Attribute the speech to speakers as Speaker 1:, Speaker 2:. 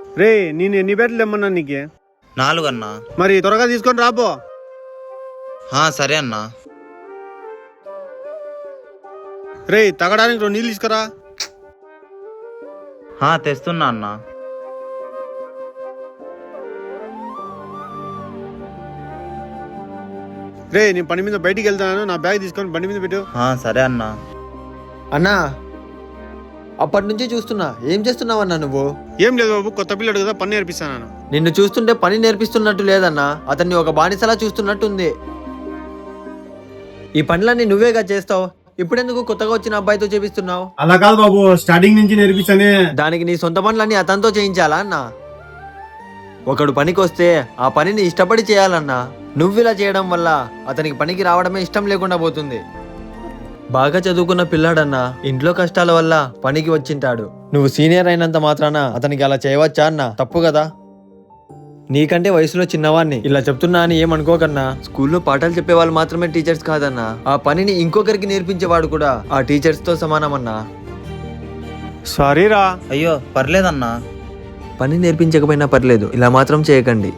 Speaker 1: రే నేను ఎన్ని బ్యాట్లు ఇమ్మన్నా నీకు?
Speaker 2: 4 అన్నా.
Speaker 1: మరి త్వరగా తీసుకొని రాపో.
Speaker 2: సరే అన్నా.
Speaker 1: రే తాగడానికి 2 నీళ్ళు తీసుకురా.
Speaker 2: తెస్తున్నా అన్నా.
Speaker 1: రే నేను పని మీద బయటికి వెళ్తాను, నా బ్యాగ్ తీసుకొని బండి మీద పెట్టు.
Speaker 2: సరే అన్నా.
Speaker 3: అన్నా అప్పటి నుంచి చూస్తున్నా, ఏం చేస్తున్నావన్నా నువ్వు?
Speaker 1: ఏం లేదు బాబు, కొత్త పిల్లడు కదా, పని నేర్పిస్తాను.
Speaker 3: నిన్ను చూస్తుంటే పని నేర్పిస్తున్నట్టు లేదన్నా, అతన్ని ఒక బానిసలా చూస్తున్నట్టుంది. ఈ పనులన్నీ నువ్వేగా చేస్తావు, ఇప్పుడెందుకు కొత్తగా వచ్చిన అబ్బాయితో చేపిస్తున్నావు?
Speaker 1: అలా కాదు బాబు, స్టార్టింగ్ నుంచి నేర్పిస్తానే.
Speaker 3: దానికి నీ సొంత పనులన్నీ అతనితో చేయించాలా అన్నా? ఒకడు పనికి వస్తే ఆ పనిని ఇష్టపడి చేయాలన్నా. నువ్వు ఇలా చేయడం వల్ల అతనికి పనికి రావడమే ఇష్టం లేకుండా పోతుంది. బాగా చదువుకున్న పిల్లాడన్నా, ఇంట్లో కష్టాల వల్ల పనికి వచ్చింటాడు. నువ్వు సీనియర్ అయినంత మాత్రాన అతనికి అలా చేయవచ్చా అన్నా? తప్పు కదా. నీకంటే వయసులో చిన్నవాడిని ఇలా చెప్తున్నా అని ఏమనుకోకన్నా. స్కూల్లో పాఠాలు చెప్పేవాళ్ళు మాత్రమే టీచర్స్ కాదన్నా, ఆ పనిని ఇంకొకరికి నేర్పించేవాడు కూడా ఆ టీచర్స్ తో సమానమన్నా.
Speaker 1: సారీరా.
Speaker 2: అయ్యో పర్లేదన్నా.
Speaker 3: పని నేర్పించకపోయినా పర్లేదు, ఇలా మాత్రం చేయకండి.